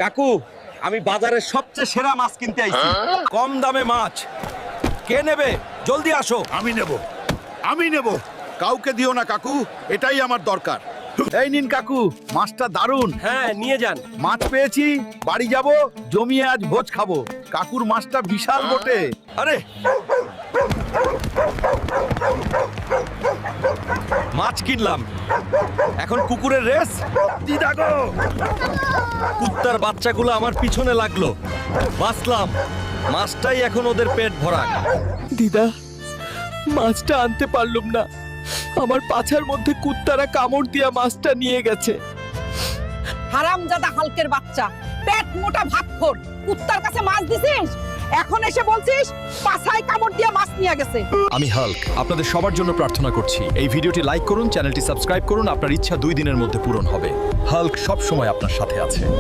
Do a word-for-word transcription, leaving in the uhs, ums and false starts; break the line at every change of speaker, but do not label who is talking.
কাকু, আমি বাজারের সবচেয়ে সেরা মাছ কিনতে আইছি। কম দামে মাছ কে নেবে? জলদি আসো।
আমি নেব, আমি নেব। কাউকে দিও না কাকু, এটাই আমার দরকার। এই নিন কাকু, মাছটা দারুণ।
হ্যাঁ, নিয়ে যান।
মাছ পেয়েছি, বাড়ি যাব, জমিয়ে আজ ভোজ খাবো। কাকুর মাছটা বিশাল বটে।
আরে, মাছ কিনলাম, এখন কুকুরের রেস।
দিদা গো,
কুত্তার বাচ্চাগুলো আমার পিছনে লাগলো, বাঁচলাম। মাছটাই এখন ওদের পেট ভরা।
দিদা, মাছটা আনতে পারলুম না। আমার পাছার মধ্যে কুত্তারা কামড় দিয়া মাছটা নিয়ে গেছে।
হারামজাদা হালকের বাচ্চা, পেট মোটা ভাতখোর, কুত্তার কাছে মাছ দিছিস, এখন এসে বলছিস পাছায় কামড় দিয়া মাছ নিয়ে গেছে।
আমি হাল্ক আপনাদের সবার জন্য প্রার্থনা করছি, এই ভিডিওটি লাইক করুন, চ্যানেলটি সাবস্ক্রাইব করুন। আপনার ইচ্ছা দুই দিনের মধ্যে পূরণ হবে। হাল্ক সব সময় আপনার সাথে আছে।